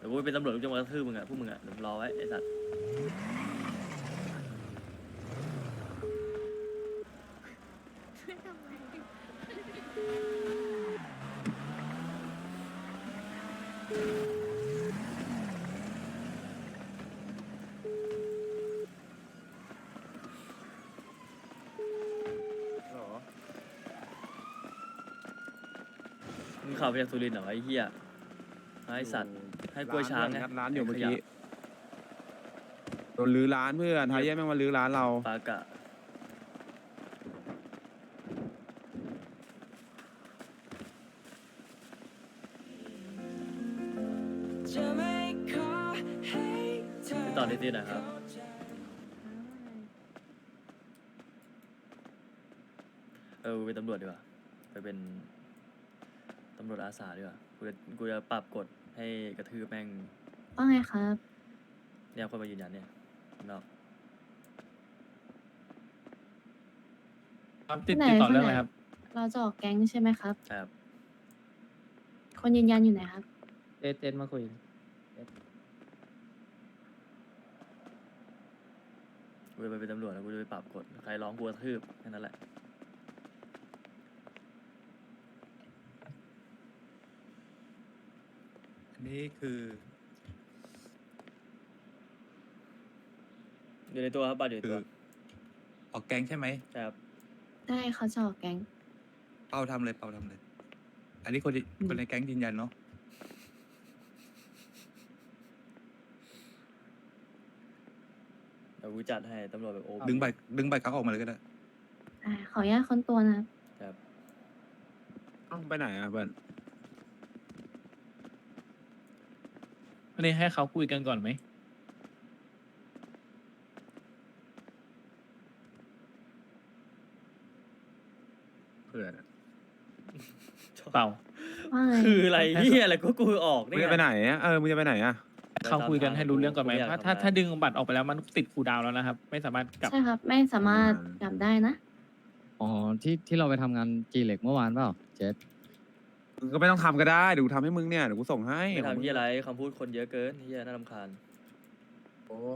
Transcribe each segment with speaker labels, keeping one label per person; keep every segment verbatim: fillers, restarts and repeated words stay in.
Speaker 1: ดี๋ยวกูไปเป็นตำรวจกูจะมากระทืบมึงอะพวกมึงอะเดี๋ยวรอไว้ไอ้สัตว์มึงขับไปจากสุรินทร์เหรอไอ้เหี้ยไอ้สัตว์ให้กล้วยช้างไง
Speaker 2: งัดร้านอยู่เมื่อ
Speaker 1: ไข
Speaker 2: กี้
Speaker 1: ยะ
Speaker 2: โดนรื้อร้านเพื่อนไทยแย่แม่งมารื้อร้านเรา
Speaker 1: ปากะไปต่อที่ที่ไหนครับเออกูเป็นตำรวจดีกว่าไปเป็นตำรวจอาสาดีกว่ากูจะกูจะปรับกฎให้กระทืบแม่ง
Speaker 3: ว่าไงครับ
Speaker 1: เนี่ยคนมายืนยันเนี่ยเนาะ
Speaker 4: ครับติดติดต่อเรื่องอะไรครับ
Speaker 3: เราจะออกแก๊งใช่ไหมครับ
Speaker 1: ครับ
Speaker 3: คนยืนยันอยู่ไหนครับ
Speaker 4: เจเจนมาคุย
Speaker 1: กูจะไปเป็นตำรวจแล้วกูจะไปปรับกฎใครร้องกูกระทืบแค่นั้นแหละ
Speaker 5: อันนี้คือ
Speaker 1: อยู่ในตัวครับบัตรอยู่ใน
Speaker 5: คื
Speaker 1: ตั
Speaker 5: อ
Speaker 1: ว
Speaker 5: ออกแก๊งใช่ไหม
Speaker 1: ใช่ครับ
Speaker 3: ได้เขาจะออกแก๊ง
Speaker 5: เป้าทำเลยเป้าทำเลย อันนี้คนที่คนในแก๊งยืนยันเนาะ
Speaker 1: เดี๋ยวกูจัดให้ตำรวจแบบโอ้
Speaker 5: ดึงใบดึงใบเขาออกมาเลยก็ได้
Speaker 3: อ่า ขออนุญาตค้นตัวนะครับ
Speaker 1: ครับ
Speaker 2: ต้องไปไหนอ่ะเพื่อน
Speaker 4: อันนี้ให้เขาคุยกันก่อนไหม
Speaker 2: เพื่อนอะ
Speaker 4: เปล่า
Speaker 3: ว่าไง
Speaker 1: คืออะไรเฮียอะไรก็กูออก
Speaker 2: มึ
Speaker 1: นี่
Speaker 2: งจะไปไหนอ่ะเออมึงจะไปไหนอ่ะ
Speaker 4: เขาคุยกันให้รู้เรื่องก่อนไหม
Speaker 1: กูย
Speaker 4: ถ้า
Speaker 1: ทำ
Speaker 4: ถ้า
Speaker 1: อะไร
Speaker 4: ถ้าดึงบัตรออกไปแล้วมันติดคูลดาวน์แล้วนะครับ ไม่สามารถกลับ
Speaker 3: ใช่ครับ ไม่สามารถกลับได้นะ
Speaker 6: อ๋อที่ที่เราไปทำงานจีเหล็กเมื่อวานเปล่าเจส
Speaker 2: มึงก็ไม่ต้องทำก็ได้เดี๋ยวกูทำให้มึงเนี่ยเดี๋ยวกูส่งให้
Speaker 1: ไม่ทำเฮียอะไรคำพูดคนเยอะเกินเฮียน่ารำคาญ
Speaker 2: โอ้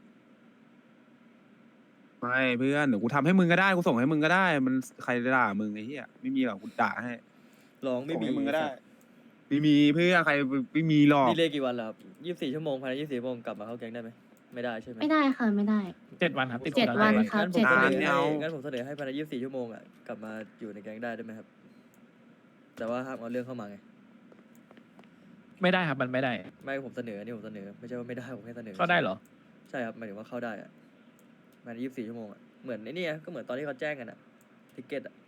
Speaker 2: ไม่เพื่อนเดี๋ยวกูทำให้มึงก็ได้กูส่งให้มึงก็ได้ มันใครจะด่ามึงไอ้เหี้ยไม่มีหรอกกูด่าให้
Speaker 1: ร้องไม่
Speaker 2: ส่ง
Speaker 1: มี
Speaker 2: ให้มึงก็ได้ไม่มีเพื่อนใครไม่มีหรอก
Speaker 1: นี่เลยกี่วันแล้วครับยี่สิบสี่ชั่วโมงภายในยี่สิบสี่ชั่วโมงกลับมาเข้าแก๊งได้ไหมไม่ได้ใช่ไหม
Speaker 3: ไม่ได้ค่ะ ไม่ได้
Speaker 4: เจ็ดวันครับติด
Speaker 3: เจ็ด
Speaker 4: คูลดาวน์
Speaker 3: วัน
Speaker 4: ไ
Speaker 3: ครับ
Speaker 1: งั้นผม
Speaker 3: เจ็ด
Speaker 1: เส
Speaker 3: วัน
Speaker 1: นอ
Speaker 2: ไม่
Speaker 1: ให้
Speaker 2: เอา
Speaker 1: งั้นผมเสนอให้ภายในยี่สิบสี่ชั่วโมงอ่ะกลับมาอยู่ในแก๊งได้ได้ไหมครับ แต่ว่าห้ามเอาเรื่องเข้ามาไง
Speaker 4: ไม่ได้ครับมันไม่ได้
Speaker 1: ไม่ผมเสนอนี่ผมเสนอไม่ใช่ว่าไม่ได้ผมแค่เสนอ
Speaker 4: เข้าได้เหรอ
Speaker 1: ใช่ครับหมายถึงว่าเข้าได้อะภายในยี่สิบสี่ชั่วโมงอะเหมือนไอ้นี่ไงก็เหมือนตอนที่เขาแจ้งกันอะทิเก็ตอะ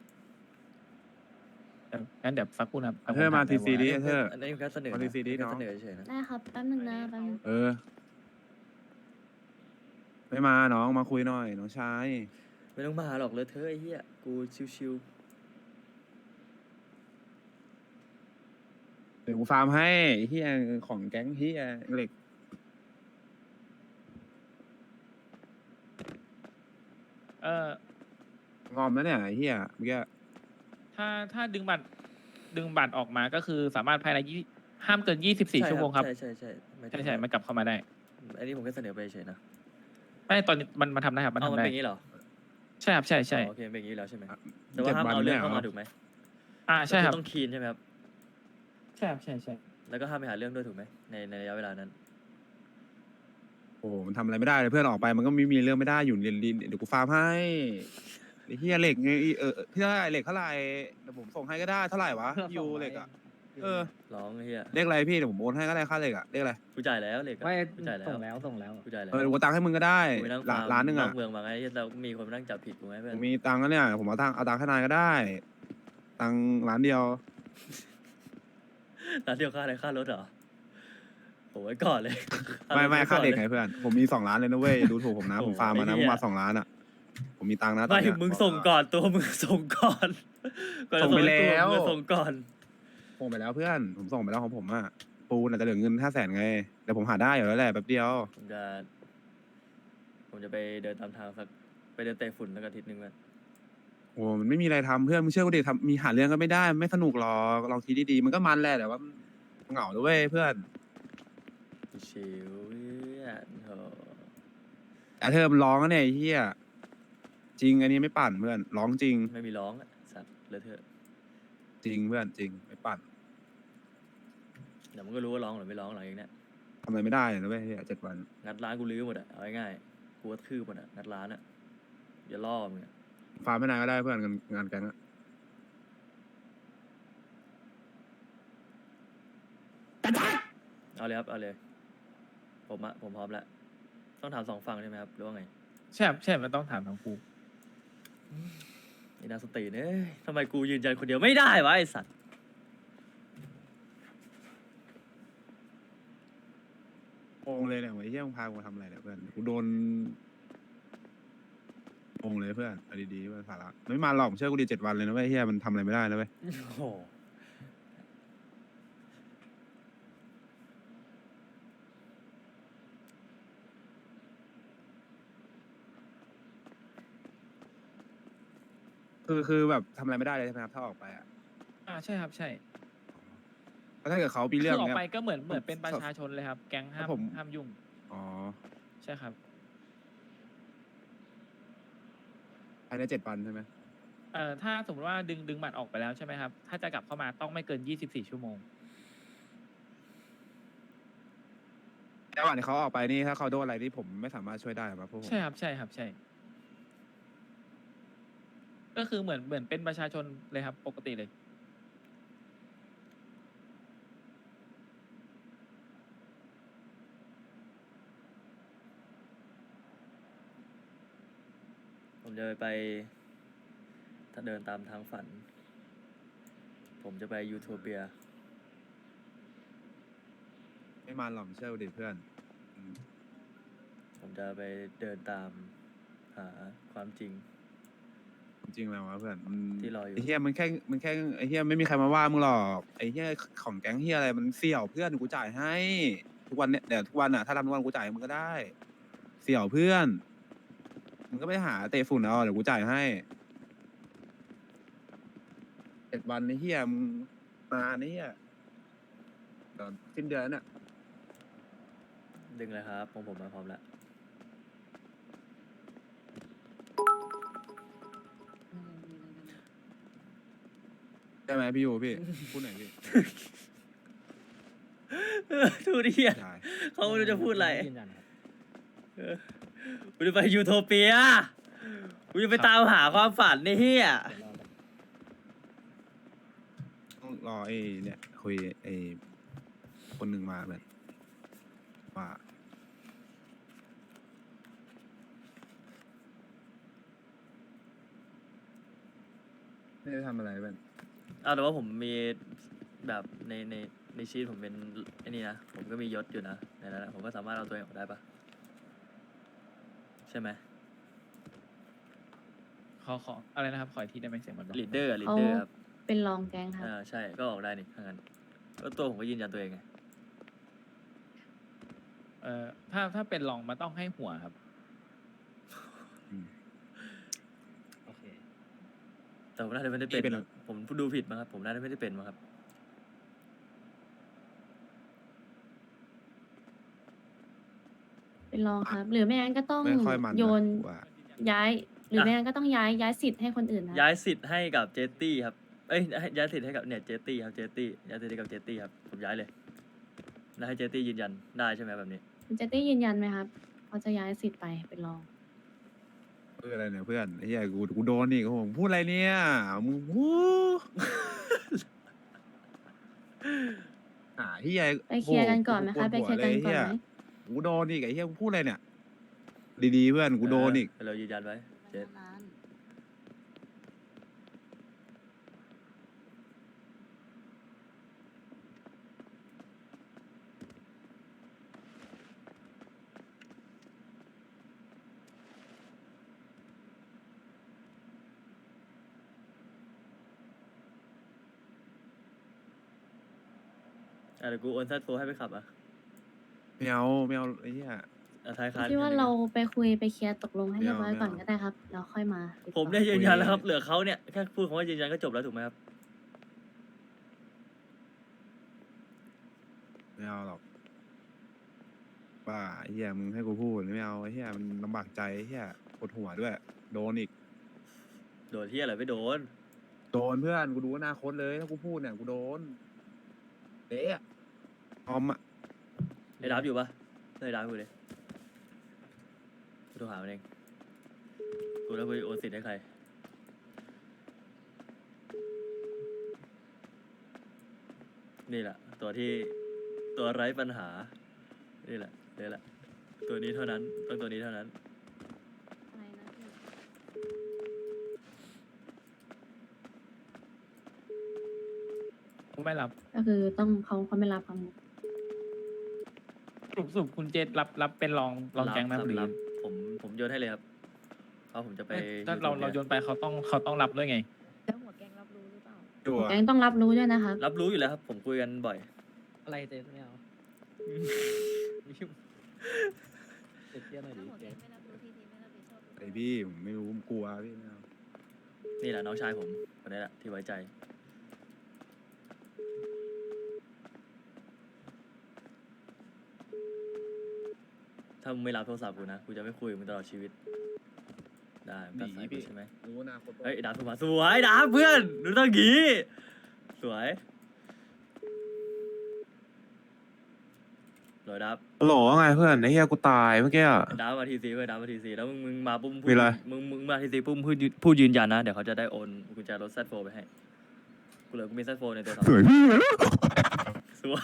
Speaker 4: งั้นเดี๋ยวสักครู่นะครับ
Speaker 2: เธอมาทีซีดิเธอ
Speaker 1: อันนี้แค่เสนอ
Speaker 2: มา
Speaker 1: นะ
Speaker 2: ดีซีดิ
Speaker 1: แค่
Speaker 2: น้อง
Speaker 1: เสนอเฉยๆนะ
Speaker 3: ได้ครับ แป๊บนึงนะแป๊บนึง
Speaker 2: เออ ไม่มาน้องมาคุยหน่อยน้องชาย
Speaker 1: ไม่ต้องมาหรอกเลยเธอะไอ้เหี้ยกูชิว
Speaker 2: เดี๋ยวกูฟาร์มให้ไอ้เฮียของแก๊งเฮียเหล็ก
Speaker 4: เออง
Speaker 2: อมแล้วเนี่ยไอ้เฮียเมื่อกี้
Speaker 4: ถ้าถ้าดึงบัตรดึงบัตรออกมาก็คือสามารถภายในยี่ห้ามเกินยี่สิบ
Speaker 1: ๆ
Speaker 4: สี่
Speaker 1: ใ
Speaker 4: ชั่วโมงครับ
Speaker 1: ใช่ใช่ใช่หมายถึ
Speaker 4: ใช่
Speaker 1: ง
Speaker 4: ใช่มันกลับเข้ามาได้
Speaker 1: อันนี้ผมแค่เสนอไปเฉยๆนะ
Speaker 4: ไม่ตอนนี้มันมันทำได้ครับมัน
Speaker 1: เอา
Speaker 4: ทำ
Speaker 1: มัน
Speaker 4: ได้
Speaker 1: เป็นอย่างนี้เหรอ
Speaker 4: ใช่ครับใช่ใช่
Speaker 1: อ๋อโอเคเป็นอย่างนี้แล้วใช่ไหมแต่ว่า
Speaker 2: เจ็ด
Speaker 1: ห้าม
Speaker 2: วัน
Speaker 1: เอาเรื่
Speaker 2: เนี่
Speaker 1: อง
Speaker 2: ย
Speaker 1: เข้ามา
Speaker 2: เหรอ
Speaker 1: ถูกไหม
Speaker 4: อ่าใช่ครับ
Speaker 1: ก็อต้องคีนใช่ไหมครับ
Speaker 4: ใช่ครับใช่ใช่
Speaker 1: แล้วก็ห้ามไปหาเรื่องด้วยถูกไหมในในระยะเวลานั้น
Speaker 2: โอ้โหมันทำอะไรไม่ได้เลยเพื่อนออกไปมันก็ไม่มีเรื่องไม่ได้อยู่เรียนดินเดี๋ยวกูฟาร์มให้ไอ้เฮียเหล็กไงเออพี่เท่าไหร่เหล็กเท่าไหร่เดี๋ยวผมส่งให้ก็ได้เท่าไหร่วะยูเหล็กอ่ะเออ
Speaker 1: ร้องไอ้เหี้ย
Speaker 2: เลขอะไรพี่เดี๋ยวผมโอนให้ก็ได้ค่าเหล็กอ่ะเลขอะไร
Speaker 1: กูจ่ายแล้วเลย
Speaker 6: ไม่
Speaker 1: กูจ่ายแล้ว
Speaker 6: ส่งแล้วส่งแล้ว
Speaker 1: กูจ่ายแล้ว
Speaker 2: เออเดี๋ยวกูตังค์ให้มึงก็ได้
Speaker 1: กูไปนั่ง
Speaker 2: ละ
Speaker 1: ฟาร์ม
Speaker 2: ล้านหนึ่ง
Speaker 1: น
Speaker 2: อ่ะ
Speaker 1: อกเมืองมาไงเรามีคนมานั่งจับผิดกูไหมเพื่อ
Speaker 2: ผ
Speaker 1: น
Speaker 2: มมีตังค์แล้วเนี่ยผมเอาตังค์เอาตังค์ให้นายก็ได้ ตังค์ล้านเดียว
Speaker 1: ร้านเดียวค่าอะไรค่ารถเหรอโอ้ยก่อนเลย
Speaker 2: ไม่ไม่
Speaker 1: รถ
Speaker 2: ค่า
Speaker 1: ก่อน
Speaker 2: เด็ก
Speaker 1: ล
Speaker 2: ไง
Speaker 1: ย
Speaker 2: เพื่อน ผมมีสองล้านเลยนะเว้ยอย่าดูถูกผมนะ
Speaker 1: โอ้
Speaker 2: ผมฟาร์มมานะ
Speaker 1: ไอ้
Speaker 2: ผ
Speaker 1: เหี้
Speaker 2: ม
Speaker 1: ย
Speaker 2: มาสองล้านอ่ะ ผมมีตังค์นะตอน
Speaker 1: ไม่
Speaker 2: เนี้ย
Speaker 1: มึงส่งก่อนตัวมึงส่งก่อนก่อนจะ
Speaker 2: ส่งไป
Speaker 1: ให้กู
Speaker 2: แล้ว
Speaker 1: มึงส่งก่อน
Speaker 2: ส่งไปแล้วเพื่อน ผมส่งไปแล้วของผมอ่ะ ปูนอาจจะเหลือเงินห้าแสนไงเดี๋ยวผมหาได้อยู่แล้วแหละแป๊บเดียว
Speaker 1: ผมจะ ผมจะไปเดินตามทางสักไปเดินเตะฝุ่นสักอาทิตย์หนึ่งมัน
Speaker 2: โอ้มันไม่มีอะไรทำเพื่อนมึงเชื่อกูดิทำมีหาเรื่องก็ไม่ได้ไม่สนุกหรอกลองคิดดีๆมันก็มันแหละแต่ว่ามันเหงาด้วยเพื่อน
Speaker 1: ชิวๆเพื่อนโถ
Speaker 2: แต่เธอมันร้องนะเนี่ยไอ้เฮียจริงอันนี้ไม่ปั่นเพื่อนร้องจริง
Speaker 1: ไม่มีร้องอะสัตว์เลอะเทอะ
Speaker 2: จริงเพื่อนจริงไม่ปั่น
Speaker 1: เดี๋ยวมันก็รู้ว่าร้องหรือไม่ร้องหลังจากเนี้ย
Speaker 2: ทำอะไรไม่ได้เลยนะเว้ยเฮียเจ็ดวัน
Speaker 1: งัดร้านกูลื้อหมดอะเอาง่ายๆกูก็คืบหมดอะงัดร้านอะอย่าล่อมึงอะ
Speaker 2: ฟาร์มไม่นานก็ได้เพื่อนงานงานแก๊งอะ
Speaker 1: เอาเลยครับเอาเลยผมอะผมพร้อมแล้วต้องถามสองฝั่งใช่ไหมครับหรือว่าไง
Speaker 4: ใช่ครับใช่มันต้องถามทั้งคู่
Speaker 1: นี่นาสติเอ้ยทำไมกูยืนยันคนเดียวไม่ได้วะไอสัตว์
Speaker 2: โองเลยเนี่ยไอ้เฮียมึงพากูมาทำอะไรเนี่ยเพื่อนกูโดนโองเลยเพื่อนเอาดีๆเพื่อนสาระไม่มาหรอกเชื่อกูดีเจ็ดวันเลยนะเว้ยเฮียมันทำอะไรไม่ได้นะเว้ย
Speaker 1: โอ้โห
Speaker 2: คือคือแบบทำอะไรไม่ได้เลยใช่ไหมครับถ้าออกไปอ่ะ
Speaker 4: อ่าใช่ครับใช่
Speaker 2: เพราะถ้าเกิดเขามี
Speaker 4: คื
Speaker 2: เรื่อง
Speaker 4: อออก
Speaker 2: เนี้ย
Speaker 4: ไปก็เหมือนเหมือนเป็นประชาชนเลยครับ แก๊งห้าม
Speaker 2: ครับผม
Speaker 4: ห้ามยุ่ง
Speaker 2: อ๋อ
Speaker 4: ใช่ครับ
Speaker 2: ภายในเจ็ดวันใช่ไหม
Speaker 4: เอ่อถ้าสมมติว่าดึงดึงบัตรออกไปแล้วใช่ไหมครับ ถ้าจะกลับเข้ามาต้องไม่เกินยี่สิบสี่ชั่วโมง
Speaker 2: ระหว่างที่เขาออกไปนี่ถ้าเขาโดนอะไรที่ผมไม่สามารถช่วยได้ครับพวกผม
Speaker 4: ใช่ครับใช่ครับใช่ ก็คือเหมือนเหมือนเป็นประชาชนเลยครับ ปกติเลย
Speaker 1: ผมจะไปถ้าเดินตามทางฝัน ผมจะไปยูโทเปีย
Speaker 2: ไม่มาหรอกเชื่อกูดิเพื่อนอืม
Speaker 1: ผมจะไปเดินตามหาความจริง
Speaker 2: จริงแล้ววะเพื่อนมัน
Speaker 1: ที่รออยู่
Speaker 2: ไอ้เฮียมันแค่มันแค่ไอ้เฮียไม่มีใครมาว่ามึงหรอกไอ้เฮียของแก๊งเฮียอะไรมันเสี่ยวเพื่อนกูจ่ายให้ ทุกวันเนี่ยเดี๋ยวทุกวันอ่ะถ้าทำทุกวันกูจ่ายให้มึงก็ได้ เสี่ยวเพื่อนมึงก็ไปหาเตะฝุ่นเอาเดี๋ยวกูจ่ายให้เจ็ดวันไอ้เฮียมึงมาไอ้เฮียเดี๋ยวสิ้นเดือนแล้วเนี่ย
Speaker 1: ดึงเลยครับผมผมมาพร้อมแล้ว
Speaker 2: ใช่ไหมพี่ยูพี่ พูดหน่อยพี่
Speaker 1: ทูดิเฮีย
Speaker 2: ใช่
Speaker 1: เขาไม่รู้จะพูดอะไร
Speaker 6: ยืนยันครับ
Speaker 1: เออกูจะไปยูโทเปียกูจะไปตามหาความฝันในเฮีย
Speaker 2: ต้องรอไอ้เนี่ยคุยไอ้คนหนึ่งมาแบบว่าไม่ได้ทำอะไรแบบ
Speaker 1: เอาแต่ว่าผมมีแบบในในในชีตผมเป็นไอ้นี่นะ ผมก็มียศอยู่นะในนั้นนะผมก็สามารถเอาตัวเองออกได้ปะใช่ไหม
Speaker 4: ขอขออะไรนะครับ ขออีกทีได้ไหมเสียงมันบอก
Speaker 1: ลีดเดอร์ลีด
Speaker 3: เขา
Speaker 1: เดอร์ครับ
Speaker 3: เป็นรองแก๊งครับ
Speaker 1: อ่าใช่ก็ออกได้นี่ถ้างั้นก็ตัวผมก็ยืนยันตัวเองไง
Speaker 4: เอ่อถ้าถ้าเป็นรองมันต้องให้หัวครับ
Speaker 6: โอเค
Speaker 1: แต่ผมน่าจะไม่ได้เป็น
Speaker 2: เป็นหรอ
Speaker 1: ผมดูผิดมั้งครับผมน่าจะไม่ได้เป็นมั้งครับ
Speaker 3: เป็นรองครับ หรือไม่งั้นก็ต้อง
Speaker 2: ไม่ค่อยมันนะ
Speaker 3: โยน
Speaker 2: ว่า
Speaker 3: ย้าย หรือไม่งั้นก็ต้องย้ายย้ายสิทธิ์ให้คนอื่นนะ
Speaker 1: ย้ายสิทธิ์ให้กับเจตตี้ครับ เอ้ยให้ย้ายสิทธิ์ให้กับเนี่ยเจตตี้ครับเจตตี้ย้ายสิทธิ์ให้กับเจตตี้ครับผมย้ายเลยแล้วให้เจตตี้ยืนยันได้ใช่ไหมแบบนี้
Speaker 3: คุณเจตตี้ยืนยันไหมครับเขาจะย้ายสิทธิ์ไปเป็นรอง
Speaker 2: เพื่ออะไรเนี่ยเพื่อนไอ้เหี้ยกูกูโดนอีกโอ้โหพูดอะไรเนี่ยมึงพูด หาเหี้ย
Speaker 3: ไปเคลียร์กันก่อนไหม
Speaker 2: โโ
Speaker 3: คะไปเคลียร์กันก่อนไหม
Speaker 2: กูโดนอีกไอ้เหี้ยกูพูดอะไรเนี่ย ดีๆเพื่อนกูโดนอีก
Speaker 1: เเรายืนยันไว้เจต อ่ะเดี๋ยวกูโอนซัดโฟให้ไปขับอ่ะ
Speaker 2: ไม่เอาไม่เอาไอ้เหี้ย
Speaker 1: อ่ะท้ายคัน
Speaker 3: ที่ว่าเราไปคุยไปเคลียร์ตกลงให้เรียบร้อย
Speaker 2: ไม่เอา
Speaker 3: ก่อนก็ได้ครับแล้วค่อยมาติดต่อ
Speaker 1: ผมได้ยืนยันแล้วครับเหลือเขาเนี่ยแค่พูดคำว่ายืนยันก็จบแล้วถูกไหมครับ
Speaker 2: ไม่เอาหรอกบ้าไอ้เหี้ยมึงให้กูพูดไม่เอาไอ้เหี้ยมันลำบากใจไอ้เหี้ยปวดหัวด้วย โดนอีก
Speaker 1: โดนที่อะไรไม่โดน
Speaker 2: โดนเพื่อนกูดูอนาคตเลยถ้ากูพูดเนี่ยกูโดนเละอะออมอะ
Speaker 1: ไอ้ดับอยู่ปะไอ้ดับกูเลยกูโทรหามันเองกูแล้วกูโอนสิทธิ์ให้ใครนี่แหละตัวที่ตัวไร้ปัญหานี่แหละนี่แหละตัวนี้เท่านั้นต้องตัวนี้เท่านั้น
Speaker 3: อะไรนะพี่
Speaker 4: ผมไม่รับ
Speaker 3: ก็คือต้องเขาเขาไม่รับคำ
Speaker 4: สรุปสรุปคุณเจษรับรับเป็นรองรองแก๊งไหม
Speaker 1: รับ
Speaker 4: หรือ
Speaker 1: รับผมผมโยนให้เลยครับเพราะผมจะไป
Speaker 4: ถ้าเราเราโยนไปเขาต้องเขาต้องรับด้วยไง
Speaker 7: แล้วหัวแกงรับรู้หรือเปล่า
Speaker 2: จั่ว
Speaker 3: แกงต้องรับรู้ด้วยนะครับ
Speaker 1: รับรู้อยู่แล้วครับ ผมคุยกันบ่อย
Speaker 6: อะไรเจ๊ไม่เอาไม่ยุ่งเจ๊เตี้ยหน่อยดิ
Speaker 7: ถ้าหัวแก
Speaker 6: เจ๊
Speaker 7: งไม่รับรู้ทีทีไม่รับผิดชอบหรือเป
Speaker 2: ไอ
Speaker 7: ล่า
Speaker 2: พี่ผมไม่รู้ผมกลัวพี่ไม่เอา
Speaker 1: นี่แหละน้องชายผมคนนี้แหละที่ไว้ใจ ถ้ามึงไม่รับโทรศัพท์กูนะกูจะไม่คุยกับมึงตลอดชีวิตได้มึงตัดสายกูใช่ไหม
Speaker 2: รู้อนาคต
Speaker 1: เฮ้ยดาบโทรมาสวยดาบเพื่อนดูต้องงี้สวยสวยดาบ
Speaker 8: โหลว่าไงเพื่อนไอ้เหี้ยกูตายเมื่อกี้อะ
Speaker 1: ดาบมาทีซีเพื่อนดาบมาทีซีแล้วมึงมึงมาปุ๊บพูด
Speaker 8: มีอะไร
Speaker 1: มึงมึงมาทีซีปุ๊บพูดยืนพูดยืนยันนะเดี๋ยวเขาจะได้โอนกุญแจรถแซดโฟไปให้กูเหลือกูมีแซดโฟในตัวสอง
Speaker 8: สวยพี่
Speaker 1: สวย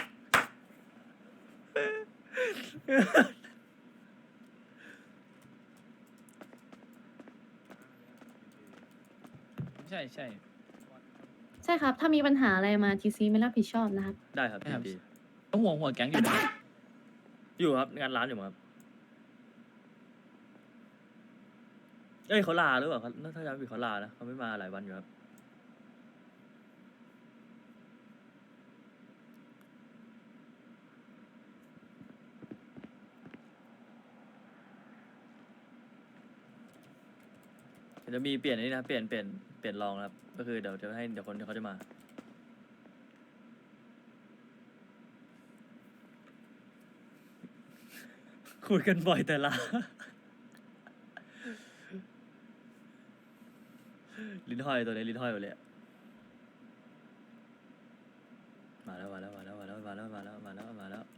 Speaker 4: ใช่ใช่
Speaker 3: ใช่ครับ ถ้ามีปัญหาอะไรมาทีซีไม่รับผิดชอบนะครับ
Speaker 1: ได้ครับ
Speaker 4: ได้ครับ
Speaker 1: ดี
Speaker 4: ต้องหัวหัวแก๊งอยู่นะ
Speaker 1: อยู่ครับงานร้านอยู่มั้งครับเอ้ยเขาลาหรือเปล่าเขาถ้าจำไม่ผิดเขาลานะเขาไม่มาหลายวันอยู่ครับเดี๋ยวจะมีเปลี่ยนอันนี้นะเปลี่ยนเปลี่ยนเปลี่ยนรองนะครับ ก็คือเดี๋ยวจะให้เดี๋ยวคนเขาจะมา คุยกันบ่อยแต่ละ ลิ้นห้อยตัวนี้ลิ้นห้อยหมดเลยอะมาแล้วมาแล้วมาแล้วมาแล้วมาแล้วมาแล้วมาแล้วมาแล้ว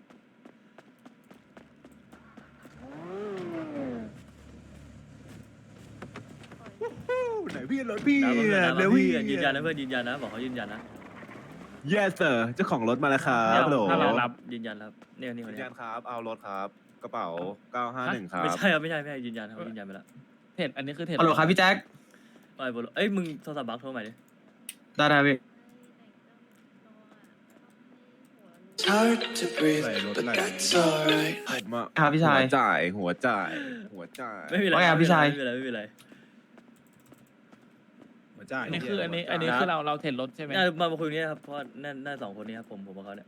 Speaker 8: ไหนพี่รถพี่
Speaker 1: ดาวเพื่อนดาว
Speaker 8: เร็ว
Speaker 1: เพื่
Speaker 8: พี่
Speaker 1: อนยืนยันนะเพื่อนยืนยันนะบอกเขายืนยันนะ
Speaker 8: yes sir เจ้าของรถมาแล้วครับ
Speaker 1: เนี่ย
Speaker 8: โหล
Speaker 1: ถ้าเรารับยืนยันครับเนี่ยนี่คน
Speaker 8: ยืน
Speaker 1: นี้
Speaker 8: ยันครับเอารถครับกระเป๋าเก้าห้าหนึ่งครับ
Speaker 1: ไม่ใช่ครับไม่ใช่ไม่ใช่ยืนยันครับยืนยันไปแล้ว
Speaker 4: เทรดอันนี้คือเทรด
Speaker 9: ฮัลโหลครับพี่แจ็ค
Speaker 1: ไอ้ยบอลเอ้ยมึงโทรศัพท์บักโทรใหม่ดิ
Speaker 9: ได้ได้พี่
Speaker 10: It's hard to breathe,
Speaker 2: ใส่รถ
Speaker 10: but
Speaker 2: ไหล
Speaker 10: that's alright.
Speaker 8: มา
Speaker 9: ครับพี่ชาย
Speaker 8: หัวจ่ายหัวจ่ายหัวจ่าย
Speaker 1: ไม่มีอะไร
Speaker 9: ว่าไงครับพี่ชาย
Speaker 1: ไม่มีอะไรไม่มีอะไร
Speaker 2: หัวจ่าย
Speaker 4: อันนี้คืออันนี้อันนี้คือเราเราเทรดรถใช่ไหม
Speaker 1: น่ามามาคุยตรงนี้ครับเพราะว่าน่าน่าสองคนนี้ครับผมผมกับเขาเนี่ย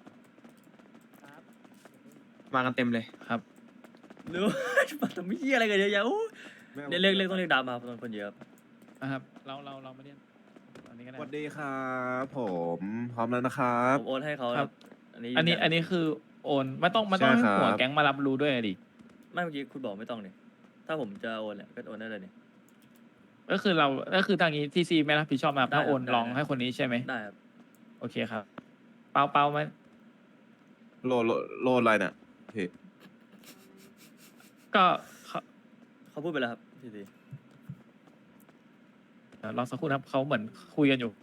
Speaker 9: มากันเต็มเลย
Speaker 4: ครับ
Speaker 1: หรือว่า มาทำไม่เหี้ยอะไรกันเยอะแยะโอ้ย
Speaker 8: ไม่อา
Speaker 1: เนี่ยเรียกเรียกต้องเรียกดาวมาเพราะคนเยอะครับ
Speaker 4: นะครับ เราเราเราไม่ได้อันนี้ก็
Speaker 8: ส
Speaker 4: ได้
Speaker 8: วัสดีครับผมพร้อมแล้วนะครับ
Speaker 1: ผมโอนให้เขา
Speaker 4: ครับ
Speaker 1: อันนี้
Speaker 4: อันนี้
Speaker 1: ยืยั
Speaker 4: อันนี้คือโอนไม่ต้องไม่ต้อง
Speaker 8: ใช่
Speaker 4: ให้
Speaker 8: ครับ
Speaker 4: หัวแก๊งมารับรู้ด้วยดิ
Speaker 1: ไม่เมื่อกี้คุณบอกไม่ต้องเนี่ยถ้าผมจะโอนเนี่ยก็โอนได้เลยเนี่ย
Speaker 4: ก็คือเราก็คือทางนี้ทีซีไม่รับผิดชอบนะครับ
Speaker 1: ได้
Speaker 4: ถ้า
Speaker 1: ครับ
Speaker 4: โอน
Speaker 1: ได้
Speaker 4: ลองให้คนนี้ใช่ไหม
Speaker 1: ได้ครับ
Speaker 4: โอเคครับ เปาเปาไหม
Speaker 8: โลโลโลอะไรเนี่ยพี่
Speaker 4: ก็เขา
Speaker 1: เขาพูดไปแล้วครับทีที
Speaker 4: เดี๋ยวรอสักครู่นะครับเขาเหมือนคุยกันอยู่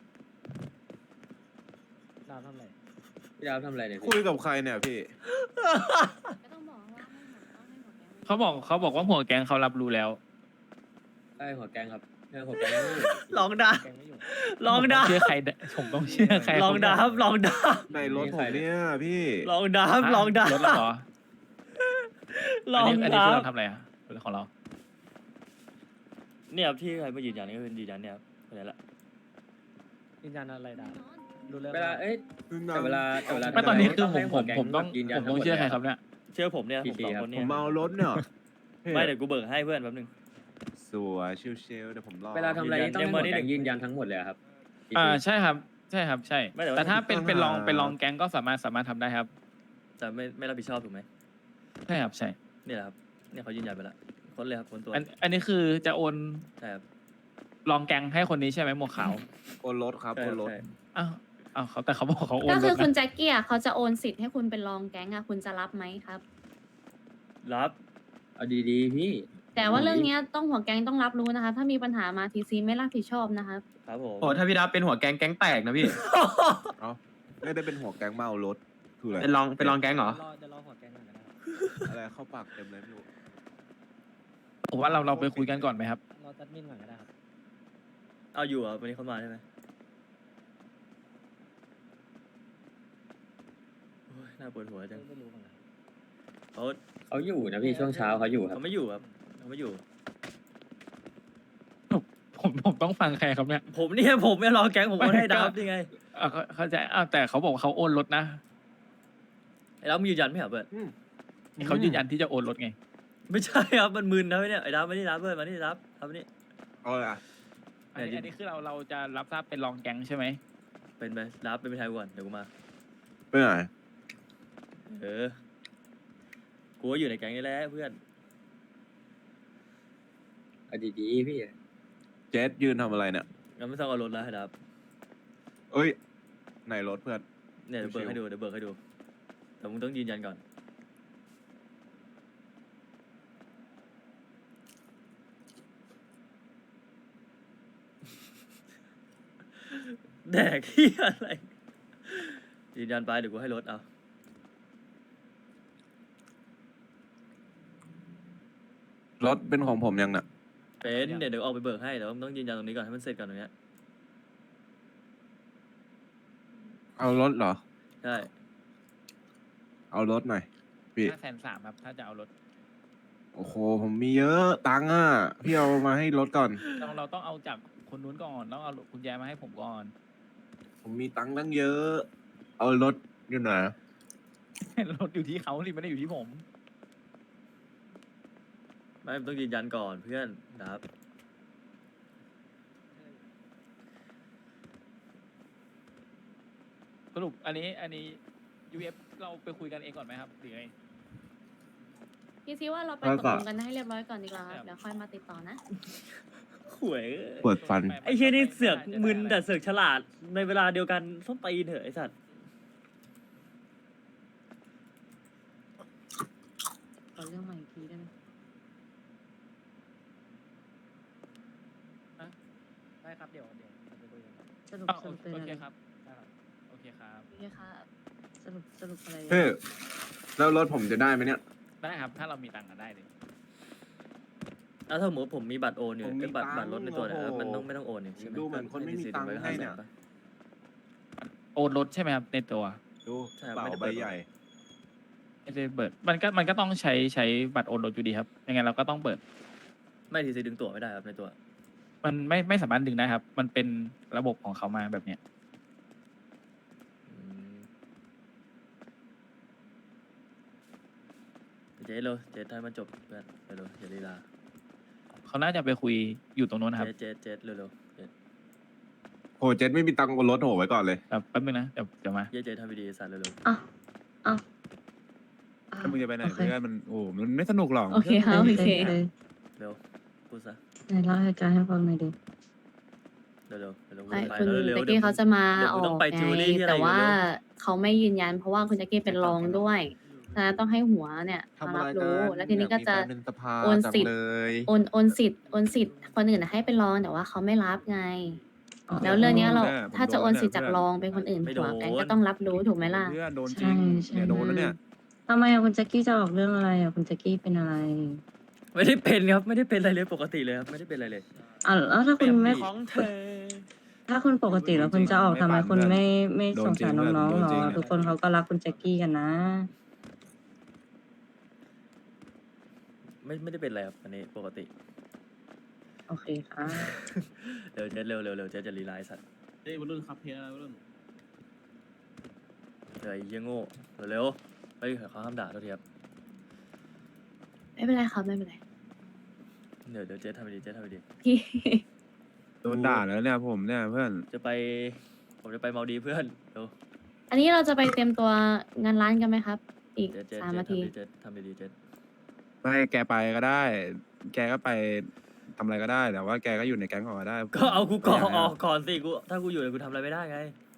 Speaker 6: ดาวทำอะไร
Speaker 9: พี่ดาวทำอะไรเนี่ย
Speaker 8: คุยกับใครเนี่ยพี่
Speaker 3: ก็ต้องบอกว่าให้หัวต้องให้หัวแกง
Speaker 4: เขาบอกเขาบอกว่าหัวแก๊งเขารับรู้แล้ว
Speaker 9: ได้หัวแกงครับเออหัวแกงไม่อยู่
Speaker 1: ลองดา
Speaker 6: แกงไม่อยู่
Speaker 1: ลองดา
Speaker 4: ผมต้เชื่อใครได้ผมต้องเชื่อใคร
Speaker 1: ลองดาครับลองดา
Speaker 8: ในรถผมเนี่ยพี่
Speaker 1: ลองดาครับลองดา
Speaker 4: ลดแล้วเหรอ
Speaker 1: ลอง
Speaker 4: อันนี้อันนี้
Speaker 1: ดา
Speaker 4: คือเราทำอะไรอ่ะเป็นของเรา
Speaker 1: เนี่ยครับที่ใครมายืนยันนี่ก็เป็นยืนยันเนี่ยครับคนนี้แหละ
Speaker 6: ยืนยันอะไรดาวรู้เรื่อง
Speaker 9: เวลาเอ้ยแต่เวลาแต่เวลา
Speaker 4: ไม่ตอนนี้คือผมผม
Speaker 9: ให้
Speaker 4: ผมต้อง
Speaker 9: หัวแก๊ยืนยัน
Speaker 4: ผมต้องเชื่อใครครับเนี่ย
Speaker 1: เชื่อผมเนี่ยผม
Speaker 9: กี่
Speaker 1: สอง
Speaker 9: ทีครับ
Speaker 1: คน
Speaker 8: ผ
Speaker 1: เนี่ย
Speaker 8: มเมารถเนี่ย
Speaker 1: ไม่เดี๋ยวกูเบิกให้เพื่อนแป๊บนึง
Speaker 8: สวยชิวๆเดี๋ยวผมรอ
Speaker 9: เวลาทำอะไรนี่ต้องให้หัว
Speaker 1: ยืนยัน
Speaker 9: แก๊งยืนยันทั้งหมดเลยอะครับ
Speaker 4: อ่าใช่ครับ ใช่ครับใช่
Speaker 1: ไม่แต่ว่า
Speaker 4: แต่ถ้าเป็นเป็นรองเป็นรองแก๊งก็สามารถสามารถทำได้ครับ
Speaker 1: แต่ไม่ไม่รับผิดชอบถูกไหม
Speaker 4: ใช่ครับใช่
Speaker 1: เนี่ยแหละครับเนี่ยเขายืนยันไปแล้วคนเลยครับคนตัว
Speaker 4: อันอันนี้คือจะโอน
Speaker 1: ใช่ครับ
Speaker 4: ลองแกงให้คนนี้ใช่ไหมหมวกขาว
Speaker 8: โอนรถครับ
Speaker 1: ใช่
Speaker 8: โอ
Speaker 1: คน รับ
Speaker 8: รถ
Speaker 1: ใช่
Speaker 4: อ้าวอ้าวเขาแต่เขาบอกเขาโอน
Speaker 3: ก็
Speaker 4: ร
Speaker 3: คือ
Speaker 4: ถ
Speaker 3: คุณ
Speaker 4: นะ
Speaker 3: แจ็คกี้อะเขาจะโอนสิทธิ์ให้คุณเป็นรองแก๊งอะคุณจะรับไหมครับ
Speaker 1: รับ
Speaker 9: เอาดีๆพี่
Speaker 3: แต่ว่าเรื่องเนี้ยต้องหัวแก๊งต้องรับรู้นะคะถ้ามีปัญหามาทีซีไม่รับผิดชอบนะครับ
Speaker 1: ครับผม
Speaker 11: โอ้ถ้าพี่ดับเป็นหัวแก๊งแก๊งแตกนะพี่
Speaker 8: เอ้าไม่ได้เป็นหัวแก๊งมาเอารถคืออะไร
Speaker 11: เป็นรองเป็นรองแก๊งเหรอ
Speaker 6: รอจะรอหัวแกงก่อนก็ได้ครับ
Speaker 8: อะไรเข้าปากเต็มเลยไม่รู้
Speaker 4: ผมว่าเราเราไปคุยกันก่อนไหมครับ
Speaker 6: รอจัดมินก่อนก็ได้ครับ
Speaker 1: เอาอยู่เหรอ่ะวันนี้เขามาใช่ไหมโอ้ยน่าปวดหัวจัง
Speaker 6: ไม่รู้เหมือนกัน
Speaker 1: เขา
Speaker 9: เขาอยู่นะพี่ช่วงเช้าเขาอยู่ครับ
Speaker 1: เขาไม่อยู่ครับเขาไม่อยู่
Speaker 4: ผมผมต้องฟังใครครับเนี่ย
Speaker 1: ผมเนี่ยผมไม่รอแก๊งผมก็ให้
Speaker 4: ไม่ก็
Speaker 1: ดับนี่ไง
Speaker 4: อ่าเข้าใจอ้าวแต่เขาบอกว่าเขาโอนรถนะ
Speaker 1: ไอ้ดับมึงยืนยันไม่เหรอเบิร์ด
Speaker 4: เขายืนยันที่จะโอนรถไง
Speaker 1: ไม่ใช่ครับมันมึนนะเนี่ยไอ้ดับไม่ได้ดับเบิร์ดมานี่ดับดับมานี่
Speaker 8: เอาเลยอ่ะ
Speaker 4: อันนี้อันนี้คือเราเราจะรับทราบเป็นรองแก๊งใช่ไหม
Speaker 1: เป็นไปดับเป็นไปไทยก่อนเดี๋ยวกูมา
Speaker 8: ไปไหน
Speaker 1: เออกูก็อยู่ในแก๊งนี่แหละเพื่อน
Speaker 9: เอาดีๆพี่
Speaker 8: เจสยืนทำอะไรเนี่ย
Speaker 1: งั้นไม่ต้องเอารถแล้วให้ดับ
Speaker 8: เอ้ยไหนรถเพื่อน
Speaker 1: เนี่ยเดี๋ยวเบิร์ดให้ดูเดี๋ยวเบิร์ดให้ดูแต่มึงต้องยืนยันก่อน แดกที่อะไร ยืนยันไปเดี๋ยวกูให้รถเอา
Speaker 8: รถเป็นของผมยังน่ะ
Speaker 1: เป็นเดี๋ยวเดี๋ยวออกไปเบิกให้แต่ว่ามึงต้องยืนยันตรงนี้ก่อนให้มันเสร็จก่อนตรงเนี้ย
Speaker 8: เอารถเหรอ
Speaker 1: ใช่
Speaker 8: เอารถหน่อยพี่
Speaker 4: ห้าแสนสามครับ ถ้าจะเอารถ
Speaker 8: โอ้โหผมมีเยอะตังค์อ่ะพี่เอามาให้รถก่อน
Speaker 4: เราเราต้องเอาจากคนนู้นก่อนต้องเอากุญแจมาให้ผมก่อน
Speaker 8: ผมมีตังค์ตั้งเยอะ เอารถอยู่ไหน
Speaker 4: รถอยู่ที่เขาสิไม่ได้อยู่ที่ผม
Speaker 1: ไม่มึงต้องยืนยันก่อนเพื่อนดับ
Speaker 4: สรุปอันนี้อันนี้ ยู เอฟ เราไปคุยกันเองก่อนไหมครับหรือไง
Speaker 3: ทีซีว่าเราไป
Speaker 8: แล้ว
Speaker 3: ต
Speaker 8: ก็
Speaker 3: กลงกันให้เรียบร้อยก่อนดีกว่าครับเดี๋ยวค่อยมาติดต่อนะ
Speaker 1: หวย
Speaker 8: เปิดฟัน
Speaker 1: ไอ้เฮียนี่เสือกมึนแต่เสือกฉลาดในเวลาเดียวกันส้นตีนเถอะไอ้สัตว์
Speaker 3: ขอเรื่องใหม่อีกทีได้ไหม
Speaker 6: ได้ครับเดี๋ยวเดี๋ยวเดี๋ยวไปคุยกันครับ
Speaker 3: สรุป
Speaker 4: อ้าว
Speaker 3: สรุปเป็น
Speaker 4: โอ
Speaker 3: อะไร
Speaker 4: เคครับได้ครับโอเคครับ
Speaker 3: โอเคค่ะสรุปสรุปอะไร
Speaker 8: เฮ้ยแล้วรถผมจะได้ไหมเนี่ย
Speaker 4: ได้ครับ ถ้าเรามีตังค์ก็ได้เลย
Speaker 1: แล้วถ้าสมมติผมมีบัตรโอนอยู่
Speaker 8: ผมมี
Speaker 1: เอ้ยบัตร
Speaker 8: ตังค์
Speaker 1: บัตรรถในตัวเนี่ย
Speaker 8: โอ้โห
Speaker 1: มันต้องไม่ต้องโอนเนี่ยใช่ไหม
Speaker 8: ดูเหมือนคนไม่มีตังค์
Speaker 1: ก็
Speaker 8: ให้เนี่ย
Speaker 1: ห้าแสปะ
Speaker 4: โอนรถใช่ไหมครับในตัว
Speaker 8: ดู
Speaker 1: ใช่
Speaker 8: เป๋า
Speaker 1: ไม่ได้
Speaker 8: ใบ
Speaker 1: เปิด
Speaker 8: ใหญ่
Speaker 4: ไม่ได้เปิดมันก็มันก็ต้องใช้ใช้บัตรโอนรถอยู่ดีครับยังไงเราก็ต้องเปิด
Speaker 1: ไม่ทีซีดึงตั๋วไม่ได้ครับในตัว
Speaker 4: มันไม่ไม่สามารถดึงได้ครับ มันเป็นระบบของเขามาแบบเนี้ย
Speaker 1: อืมเจ๊เร็วเจ๊ให้มันจบเพื่อนเร็วๆอย่าลีลา
Speaker 4: เขาน่าจะไปคุยอยู่ตรงนู้นนะครับ
Speaker 1: เจ๊เจ๊เจ๊เร็วๆเจ๊
Speaker 8: โหเจสไม่มีตังค์บนรถโหไว้ก่อนเลย
Speaker 4: แบบแป๊บนึงนะเดี๋ยวเดี๋ยวมา
Speaker 1: เจ๊เจ๊ทำวิดีโอสัตว์เร็ว
Speaker 3: อ้าวอ้าว
Speaker 2: ถ้ามึงจะไปไหน
Speaker 3: โอเค
Speaker 2: เพื่อนมันโอ้มันไม่สนุกหรอก
Speaker 3: โอเคครับโอเค
Speaker 1: ๆเร็วพูดซะ
Speaker 3: ไหนเล่าเหตุการณ์ให้ฟังหน่อยดิ
Speaker 1: เร็วๆเร็วๆเร็วๆ
Speaker 3: ไม่
Speaker 1: ไป
Speaker 3: คุณ
Speaker 1: เร็วๆ
Speaker 3: แจ็ค
Speaker 1: ดี๋
Speaker 3: กี้
Speaker 1: ยว
Speaker 3: เขาจะมา
Speaker 1: เดี๋ยว
Speaker 3: อ
Speaker 1: มึ
Speaker 3: อง
Speaker 1: ต้
Speaker 3: ก
Speaker 1: องไปจิวเวลรี่ที่อะไร
Speaker 3: แต่ว่า
Speaker 1: เร็ว
Speaker 3: เขาไม่ยืนยัน เพราะว่าคุณแจ็คกี้เป็นรองด้วยฉะนั้นต้องให้หัวเนี่ยมารับรู้ แล้วทีนี้ก็จะโอนสิทธิ์โอนโอนสิทธิ์โอนสิทธิ์คนอื่นให้เป็นรองแต่ว่าเขาไม่รับไง แล้วเรื่องเนี้ยเราถ้าจะโอนสิทธิ์จากรองเป็นคนอื่นหัวแกงก็ต้องรับรู้ถูกไหมล่ะ
Speaker 2: เพื่อนโดนจริง
Speaker 3: ใช่
Speaker 2: เนี่ยโดนแล้วเนี่ย
Speaker 3: ทำไมอะคุณแจ็คกี้จะออกเรื่องอะไรอะคุณแจ็คกี้เป็นอะไร
Speaker 1: ๆไม่ได้เป็นครับไม่ได้เป็นอะไรเลยปกติเลยครับไม่ได้เป็นอะไรเลย
Speaker 3: อ่ะแล้วถ้าคุณไม่
Speaker 1: ของเธอ
Speaker 3: ถ้าคุณปกติแล้วคุณจะออกทำไมคุณไม่ไม่
Speaker 2: โด
Speaker 3: ส
Speaker 2: น
Speaker 3: ง
Speaker 2: จริง
Speaker 3: สาร
Speaker 2: เพื่อน
Speaker 3: น้องๆ
Speaker 2: โดน
Speaker 3: หรอ
Speaker 2: จริง
Speaker 3: ทุกคนเขาก็รักคุณแจ็คกี้กันนะ
Speaker 1: ไม่ไม่ได้เป็นอะไรครับอันนี้ปกติ
Speaker 3: โอเคค่ะ
Speaker 1: เร็วเจ๊เร็วเร็วเร็วเจ๊จะรีไลน์สัตว์
Speaker 11: เฮ้ยวัยรุ่นครับเพลงอะไรวัยรุ่น
Speaker 1: เดี๋ยวไอ้เหี้ยโง่เร็วๆเฮ้ยเขาห้ามด่าตัวทีครับ
Speaker 3: ไม่เป็นไรครับไม่เป็นไร
Speaker 1: เดี๋ยวเดี๋ยวเจ๊ทำไปดีเจ๊ทำไปดี
Speaker 3: พี่
Speaker 2: โดนด่าแล้วเนี่ยผมเนี่ยเพื่อน
Speaker 1: จะไปผมจะไปเมาดีเพื่อนเร็ว
Speaker 3: อันนี้เราจะไปเตรียมตัวงานร้านกันไหมครับ ตีอีก
Speaker 1: เจ็ดเจ็ด
Speaker 3: สาม
Speaker 1: เจ็ด
Speaker 3: นาที
Speaker 1: ทำดีเจ็ดทำดีๆเจ็ด
Speaker 2: ไม่แกไปก็ได้ แกก็ไปทำอะไรก็ได้ แต่ว่าแกก็อยู่ในแก๊งของก็ได้
Speaker 1: ก็เอากูก่อน
Speaker 2: ไม่ยา
Speaker 1: อ
Speaker 2: ให้
Speaker 1: อกก่อนสิกูถ้ากูอยู่เนี่ยกูทำอะไรไม่ได้ไง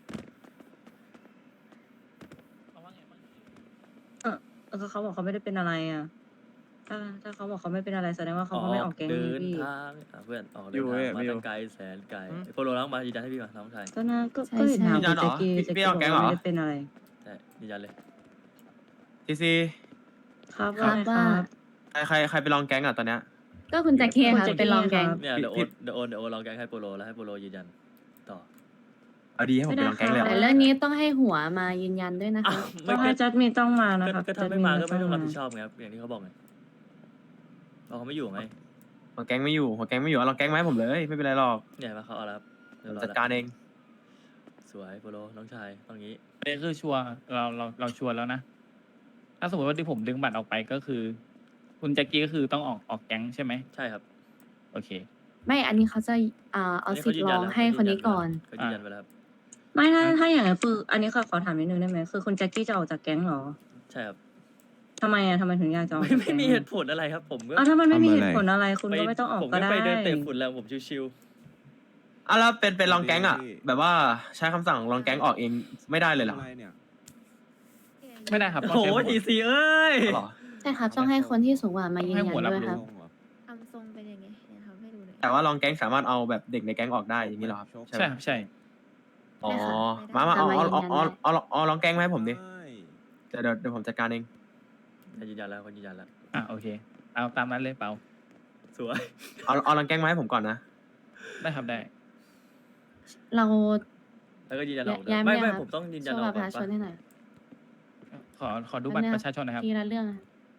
Speaker 7: ก็เขาบอกเขาไม่ได้เป็นอะไรอ่ะ ถ้าถ้าเขาบอกเขาไม่เป็นอะไรแสดงว่าเขา
Speaker 1: อ
Speaker 7: ก็ไม่ออกแก๊ง
Speaker 1: เดิ
Speaker 7: นี้
Speaker 1: น
Speaker 7: พี่
Speaker 1: ทางอ่ะเพื่อนออก
Speaker 2: อ
Speaker 1: เดิ
Speaker 2: ยู่
Speaker 1: น
Speaker 2: เว้
Speaker 1: ทาย งมา
Speaker 2: ไม่อยู่
Speaker 1: ตั้งไกลแสนไกลไอ้โปโลล้างมายืนยันให้พี่ก่อนน้องชาย
Speaker 7: ก็น่าก็
Speaker 3: ใช่
Speaker 7: ก็เห็น
Speaker 3: ใช่
Speaker 7: ถาม
Speaker 11: ยืนยันเหรอ
Speaker 7: แจ็คกี้
Speaker 11: พี่
Speaker 7: แจ็ค
Speaker 11: พี่
Speaker 7: กี้
Speaker 11: เอา
Speaker 7: บอก
Speaker 11: แก๊ง
Speaker 7: ว่า
Speaker 11: เหรอ
Speaker 7: ไม่ได้เป็นอะไร
Speaker 1: ใช่ยืนยันเลย
Speaker 11: ทีซี
Speaker 7: ครับ
Speaker 3: ครับ
Speaker 7: ว่า
Speaker 3: ว่า
Speaker 7: ไงครับ
Speaker 11: ใครใครใครไปลองแก๊งอ่ะตอนเนี้ย
Speaker 3: ก็คุณแจ็คกี้ค่ะ
Speaker 7: คุณแจ็คกี้
Speaker 3: เป็นรองแกง
Speaker 7: ครับ
Speaker 1: เนี่ยเดี๋ยวโอ
Speaker 11: พี่
Speaker 1: นเดี๋ยวโอนเดี๋ยวโอนลองแกงให้โปโลแล้วให้โปโลยืนยันต่อ
Speaker 11: เอาดีให้ผมไปลองแก๊งเลยเหร
Speaker 3: แต่
Speaker 11: อ
Speaker 3: เรื่องนี้ต้องให้หัวมายืนยันด้วยนะ
Speaker 1: อ้า
Speaker 3: คะ
Speaker 1: ว
Speaker 7: ก็
Speaker 1: ไม่
Speaker 7: ให้
Speaker 1: ก็
Speaker 7: จัดมีต้องมานะ
Speaker 1: ก็
Speaker 7: ครับ
Speaker 1: ก็ถ้าไม่มาก็ไม่ต้องรับผิดช
Speaker 7: จัด
Speaker 1: อบไงครับอย่างที่เขาบอกไงเราเขาไม่อยู่ไง
Speaker 11: หัวแก๊งไม่อยู่หัวแก๊งไม่อยู่เอาลองแก๊งมาให้ผมเลยไม่เป็นไรหรอก
Speaker 1: เนี่ยมาเขาเอาแล้วครับ
Speaker 11: ผ
Speaker 1: เรียบ
Speaker 11: ม
Speaker 1: ร้อย
Speaker 11: จัด
Speaker 1: แล้ว
Speaker 11: การเอง
Speaker 1: สวยโปโลน้องชายตรงนี้
Speaker 4: อันนี้คือชัวร์เราเราเราชัวร์แล้วนะ ถ้าสมมติว่าที่ผมดึงบัตรออกไปก็คือ คุณแจ็คกี้ก็คือต้องออกออกแก๊งใช่ไหม
Speaker 1: ใช่ครับ
Speaker 4: โอเค
Speaker 3: ไม่อันนี้เขาจะอ่าเอาสิทธิ์รองให้คนนี้ก่อน
Speaker 1: เขายืนยันไปแล้วครับ
Speaker 7: ไม่ถ้าถ้าอย่างนั้นคืออันนี้ขอขอถามนิดนึงได้ไหมคือคุณแจ็คกี้จะออกจากแก๊งเหรอ
Speaker 1: ใช่ครับ
Speaker 7: ทำไมอ่ะทำไมถึงอยากจะออก
Speaker 1: ไม่
Speaker 7: จาก
Speaker 1: ไม่
Speaker 7: แก๊ง
Speaker 1: มีเหตุผลอะไรครับ ผมก็
Speaker 7: อ้าวถ้ามันไม่มี
Speaker 2: ทำอะไร
Speaker 7: เหตุผลอะไร คุณก็ไม่ต้องออก
Speaker 1: ผม
Speaker 7: ก็
Speaker 1: ก็
Speaker 7: ได้
Speaker 1: ไปเดินเตะฝุ่นแล้วผมชิว
Speaker 11: อ่ะแล้วเป็นเป็นลองแก๊งอ่ะ แบบว่าใช้คำสั่งลองแก๊งออกเองไม่ได้เลยเหรอ
Speaker 5: อะไรเนี่ย
Speaker 4: ไม่ได้ครับ
Speaker 1: ๆ
Speaker 4: ต้อง
Speaker 1: โอ้โห
Speaker 4: ใช้หัว
Speaker 1: ทีซีเอ้ย
Speaker 11: เอาเหรอ
Speaker 3: ใช่ครับ ต้องให้คนที่สูงกว่ามายืนยันด้วยครับ
Speaker 7: ทำทรงเป็นยังไงเนี่ยทำให้ดูหน่อย
Speaker 11: แต่ว่าลองแก๊งสามารถเอาแบบเด็กในแก๊งออกได้อย่างนี้เหรอครับ
Speaker 4: ใช่ครับใช่
Speaker 11: อ๋อ
Speaker 3: ใช่ค่ะ
Speaker 11: มามาเอาเอาเอาเอา
Speaker 3: เอามายืนยันได้
Speaker 11: เอาเอาเอาลองแก๊งมาให้ผมดิ
Speaker 5: ใช่
Speaker 11: เดี๋ยวเดี๋ยวเดี๋ยวผมจัดการเอง
Speaker 1: ยืนยันแล้วคนยืนยันแล้ว
Speaker 4: อ่ะโอเค เอาตามนั้นเลยเปล่า
Speaker 1: สวย
Speaker 11: เอาเอาลองแก๊งมาให้ผมก่อนนะ
Speaker 4: ได้ครับได้
Speaker 3: เรา
Speaker 1: แล้วก็ยืนยันออก
Speaker 3: ย้าย
Speaker 1: ไม่
Speaker 3: ไม่
Speaker 1: ไม่
Speaker 3: ได้ครับ
Speaker 1: ผมต้องยืนยั
Speaker 3: ช่
Speaker 1: น
Speaker 3: วย
Speaker 1: อ
Speaker 3: บั
Speaker 1: อ
Speaker 3: ต
Speaker 1: ก
Speaker 3: รป
Speaker 1: ก่อ
Speaker 3: ระ
Speaker 1: น
Speaker 3: ชาชน
Speaker 1: ปะ
Speaker 3: ให้หน่อย
Speaker 4: ขอขอดูบัตร
Speaker 3: อันเนี้ย
Speaker 4: ประชาชนนะครับ
Speaker 3: ทีละเรื่องอะ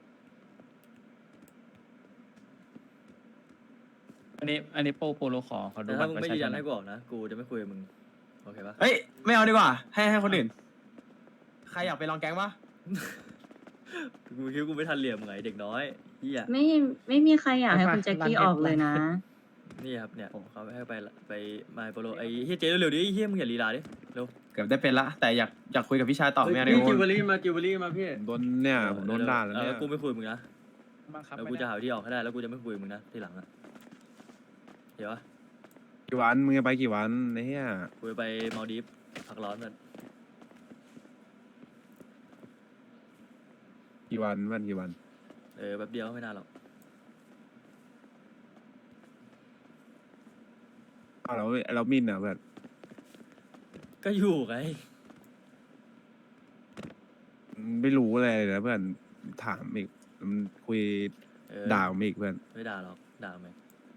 Speaker 4: อันนี้อันนี้โปโปโลขอขอดู
Speaker 1: แต่
Speaker 4: บั
Speaker 1: ถ้า
Speaker 4: ตร
Speaker 1: มึง
Speaker 4: ประ
Speaker 1: ไม่
Speaker 4: ชา
Speaker 1: ยืน
Speaker 4: ช
Speaker 1: ยั
Speaker 4: น
Speaker 1: น
Speaker 4: หน่
Speaker 1: ให้
Speaker 4: อย
Speaker 1: กูออกนะกูจะไม่คุยกับมึงโอเคปะ
Speaker 11: เฮ้ยไม่เอาดีกว่า ให้ให้คนอื่น ใครอยากไปลองแก๊งปะ
Speaker 1: กูคิดว่ากูไม่ทันเหลี่ยมไงเด็กน้อยเฮีย
Speaker 7: ไม่ไม่มีใครอยากให้คุณแจ็คกี้ออกเลยนะ
Speaker 1: นี่ครับเนี่ยเขาให้ไปละไปมาโปโลไอ้เฮียเจ๊เร็วๆดิไอ้เฮียมึงอย่าลีลาดิเร็ว
Speaker 11: เกือบได้เป็นละ แต่อยากอยากคุยกับพี่ชายต่อไม่เอาดี
Speaker 9: พี่
Speaker 11: ก
Speaker 9: กิวเบอ
Speaker 11: ว่า
Speaker 9: รี่มากิวเบอรี่มาพี่
Speaker 2: ผมโดนเนี่ยผมโดนด่าแล้ว
Speaker 1: เอ
Speaker 2: เนี่
Speaker 1: อย กูไม่คุยกับมึงนะ
Speaker 4: บังคับ
Speaker 1: แล้ว
Speaker 4: ไม่
Speaker 1: กูจะ
Speaker 4: ได้
Speaker 1: หาที่ออกให้ได้แล้วกูจะไม่คุยกับมึงนะทีหลังอะเดี๋ยววะ
Speaker 2: กี่วันมึงจะไปกี่วันไอ้เหี้ย
Speaker 1: กูจะไปมาลดีฟพักร้อนกัน
Speaker 2: กี่วันวันกี่วัน
Speaker 1: เออแป๊บเดียวไม่นานหรอก
Speaker 2: อ้าวเราเรามินอ่ะเพื่อน
Speaker 1: ก็อยู่ไง
Speaker 2: ไม่รู้อะไรเลยนะเพื่อนถามอีกมันคุย
Speaker 1: เออ
Speaker 2: ด่าผมอีกเพื่อน
Speaker 1: ไม่ด่าหรอกด่าไหม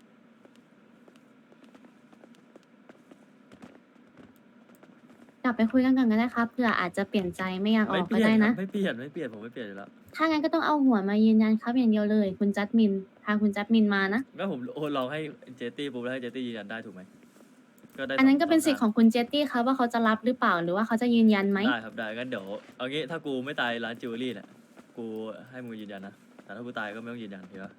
Speaker 3: กลับไปคุยกันก่อนก็ได้ครับเผื่ออาจจะเปลี่ยนใจไม่อยากอ
Speaker 1: ไม่
Speaker 3: อก
Speaker 1: เป
Speaker 3: ก็
Speaker 1: ลี่ย
Speaker 3: ได้
Speaker 1: น
Speaker 3: นะ
Speaker 1: ไม่เปลี่ยนไม่เปลี่ยนผมไม่เปลี่ยนอยู่แล้ว
Speaker 3: ถ้างั้นก็ต้องเอาหัวมายืนยันครับอย่างเดียวเลย คุณจัดมินทางคุณจัดมินมานะ
Speaker 1: ก็ผมโอนลองให้เจตี้ปุ๊บแล้วให้เจตี้ยืนยันได้ถูกไหมก็ได้
Speaker 3: อันนั้นก็เป็น
Speaker 1: ส
Speaker 3: สิทธิ์ของคุณเจตตี้ครับว่าเขาจะรับหรือเปล่าหรือว่าเขาจะยืนยันไหม
Speaker 1: ได้ครับได้งั้นเดี๋ยวเอางี้ถ้ากูไม่ตายร้านจิวเวลรี่เนี่ยกูให้มึงยืนยันนะแต่ถ้ากูตายก็ไม่ต้องยืนยันเห็นปะ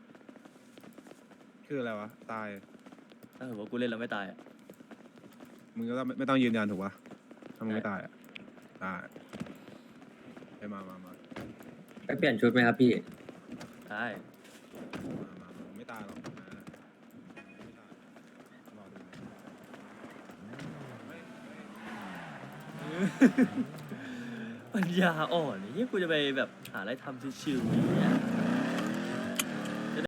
Speaker 2: คืออะไรวะตาย
Speaker 1: ถ้าสมมติว่ากูเล่นแล้วไม่ตายอะ
Speaker 2: มึงก็ต้องไม่ต้องยืนยันถูกปะถ้ามึงไม่ตายอ่ะได้ไปมามามา
Speaker 9: ไปเปลี่ยนชุดไหมครับพี่
Speaker 1: ได้
Speaker 2: มามามาไม่ตายหรอกนะไม่ตายรอดูเฮ้ยเฮ้ย
Speaker 1: ปัญญาอ่อนนี่กูจะไปแบบหาอะไรทำชิวๆอย่างเงี้ย